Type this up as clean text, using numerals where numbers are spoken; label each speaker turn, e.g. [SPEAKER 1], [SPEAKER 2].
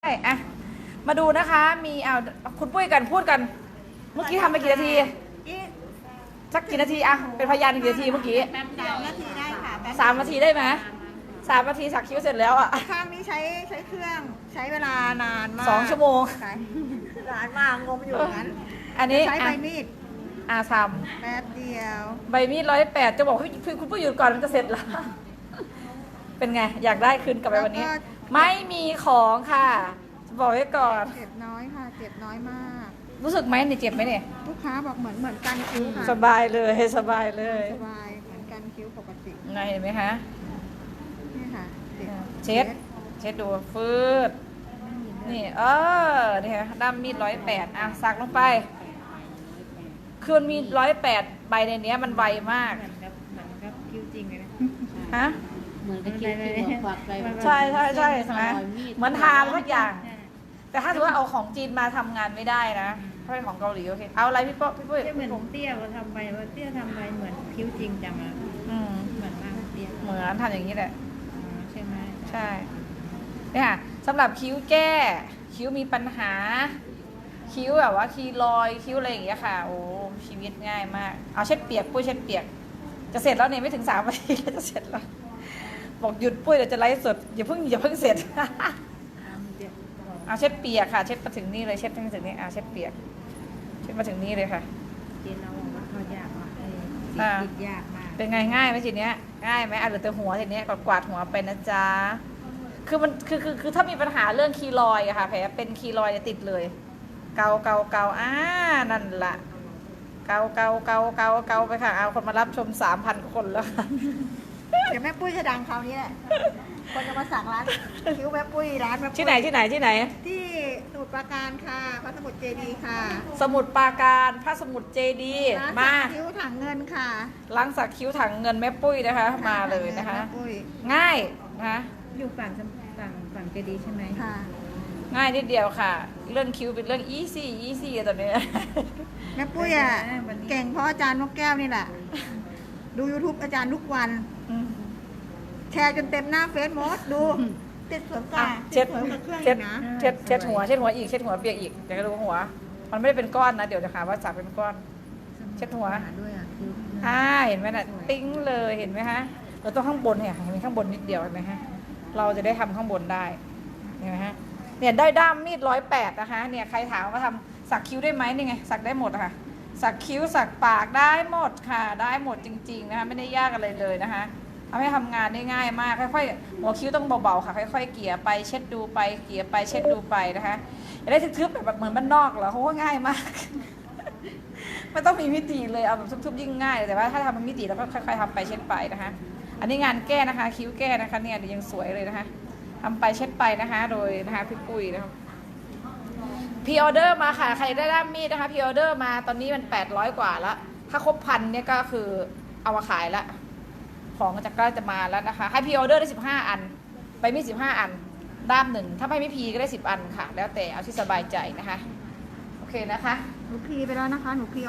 [SPEAKER 1] อะมาดูนะคะมีเอาคุณปุ้ยกันพูดกัน เมื่อกี้ทำไปกี่นาทีสักกี่นาทีอะเป็นพยานกี่นาทีเมื่อกี้
[SPEAKER 2] 3 นาทีได้ค่ะ
[SPEAKER 1] 3 นาทีได้ไหม3 นาทีสักคิ้วเสร็จแล้วอะ
[SPEAKER 2] ข้างนี้ใช้เครื่องใช้เวลานานมาก
[SPEAKER 1] 2 ชั่วโมง
[SPEAKER 2] นานมากงมอยู่นั้น
[SPEAKER 1] อันนี้
[SPEAKER 2] ใช้ใบมีด
[SPEAKER 1] ท
[SPEAKER 2] แป๊บเดียว
[SPEAKER 1] ำใบมีด108จะบอกให้คุณปุ้ยหยุดก่อนมันจะเสร็จแล้วเป็นไงอยากได้คืนกลับไปวันนี้ไม่มีของค่ะจะบอกไว้ก่อน
[SPEAKER 2] เจ็บน้อยค่ะเจ็บน้อยมาก
[SPEAKER 1] รู้สึกไหมเนี่ยเจ็บไหมเนี่ย
[SPEAKER 2] ลูกค้าบอกเหมือนกันคิ้วค่ะ
[SPEAKER 1] สบายเลยสบายเลย
[SPEAKER 2] สบายเหมือนกันคิ้วปกติ
[SPEAKER 1] ไงเห็นไหมคะ
[SPEAKER 2] นี่ค่ะ
[SPEAKER 1] เช็ดดูฟืดนี่นี่ค่ะด้ามมีด108อ่ะสักลงไปคือมันมี108ใบในนี้มันไวมาก
[SPEAKER 2] เหมือนกับคิ้วจริงเลยนะ
[SPEAKER 1] ฮะ
[SPEAKER 3] เหมือนกับคิ้วที่หัวฝักไป
[SPEAKER 1] ใช่ใช่ไหมเหมือนทาทุกอย่างแต่ถ้าถือว่าเอาของจีนมาทำงานไม่ได้นะถ้าเป็นของเกาหลีโอเคเอาอะไรพี่ปุ้ย
[SPEAKER 2] เหมือนผมเตี้ยเราทำไปว่าเตี้ยทำไปเหมือนคิ้วจริงจังอ่ะเหมือนมากเตี้ย
[SPEAKER 1] เหมือนทำอย่างนี้แหละ
[SPEAKER 2] ใช่ไหม
[SPEAKER 1] ใช่เนี่ยค่ะสำหรับคิ้วแก้คิ้วมีปัญหาคิ้วแบบว่าคีรอยคิ้วอะไรอย่างเงี้ยค่ะโอ้ชีวิตง่ายมากเอาเช็ดเปียกปุ้ยเช็ดเปียกจะเสร็จแล้วเนี่ยไม่ถึง3 นาทีจะเสร็จแล้วบอกหยุดปุ้ยเดี๋ยวจะไลฟ์สดอย่าเพิ่งเสร็จเอาเช็ดเปียกค่ะเช็ดมาถึงนี่เลยเช็ดมาถึงนี่เช็ดเปียกเช็ดมาถึงนี่เลยค่ะ
[SPEAKER 2] จีนเราบอกว่าเขายากมากติดยากมาก
[SPEAKER 1] เป็นไงง่ายไหมทีเนี้ยง่ายไหมเหลือแต่หัวทีเนี้ยกวาดหัวไปนะจ๊ะคือมันคือถ้ามีปัญหาเรื่องคีรอยอะค่ะแผลเป็นคีรอยจะติดเลยเกานั่นแหละเกาไปค่ะเอาคนมารับชม 3,000 คนแล้วค่ะ
[SPEAKER 2] เดี๋ยวแม่ปุ้ยจะดังคราวนี้แหละคนจะมาสั่งร้านคิ้วแม่ปุ้ยร้านแม่ปุ้ย
[SPEAKER 1] ที่ไหนที่
[SPEAKER 2] สมุทรปราการค่ะพระสมุทรเจดีย์ค่ะ
[SPEAKER 1] สมุทรปราการพระสมุทรเจดีย์มา
[SPEAKER 2] คิ้วถังเงินค่ะ
[SPEAKER 1] ล้างสักคิ้วถังเงินแม่ปุ้ยนะคะมาเลยนะคะง่ายนะคะ
[SPEAKER 2] อยู่ฝั่งเจดีย์ใช่ไหมค่ะ
[SPEAKER 1] ง่ายนิดเดียวค่ะเรื่องคิ้วเป็นเรื่องอีซี่ตอนนี้
[SPEAKER 2] แม่ปุ้ยอ่ะเก่งเพราะอาจารย์นกแก้วนี่แหละดู YouTube อาจารย์ทุกวันแชร์จนเต็มหน้าเฟซบุ๊กดูติดสวนกา
[SPEAKER 1] เช็ดหัวเช็ดหัวอีกเช็ดหัวเปียกอีกเดี๋ยวก็ดูหัวมันไม่ได้เป็นก้อนนะเดี๋ยวจะหาว่าสักเป็นก้อนเช็ดหัว
[SPEAKER 2] ด้วย
[SPEAKER 1] เห็นไหมน่ะติ้งเลยเห็นไหมคะเราต้องข้างบนเนี่ยเห็นไหมข้างบนนิดเดียวเห็นไหมฮะเราจะได้ทำข้างบนได้เห็นไหมฮะเนี่ยได้ด้ามมีด108นะคะเนี่ยใครถามว่าทำสักคิ้วได้ไหมนี่ไงสักได้หมดค่ะสักคิ้วสักปากได้หมดค่ะได้หมดจริงๆนะคะไม่ได้ยากอะไรเลยนะคะทำให้ทำงานได้ง่ายมากค่อยๆหัวคิ้วต้องเบาๆค่ะค่อยๆเกลี่ยไปเช็ดดูไปเกลี่ยไปเช็ดดูไปนะคะอย่าได้ทึบๆแบบเหมือนบ้านนอกเหรอเขาก็ง่ายมากไม่ต้องมีมิติเลยเอาแบบทุบๆยิ่งง่ายแต่ว่าถ้าทำเป็นมิติแล้วก็ค่อยๆทำไปเช็ดไปนะคะอันนี้งานแก้นะคะคิ้วแก้นะคะเนี่ยยังสวยเลยนะคะทำไปเช็ดไปนะคะโดยนะคะพี่ปุ้ยนะคะพีออเดอร์มาค่ะใครได้ด้ามมีดนะคะพีออเดอร์มาตอนนี้มัน800 กว่าแล้วถ้าครบ1,000เนี่ยก็คือเอามาขายแล้วของจะมาแล้วนะคะให้พีออเดอร์ได้15 อันไปมี15 อันด้าม1ถ้าไม่พีก็ได้10 อันค่ะแล้วแต่เอาที่สบายใจนะคะโอเคนะคะ
[SPEAKER 2] หนูพีไปแล้วนะคะหนูพี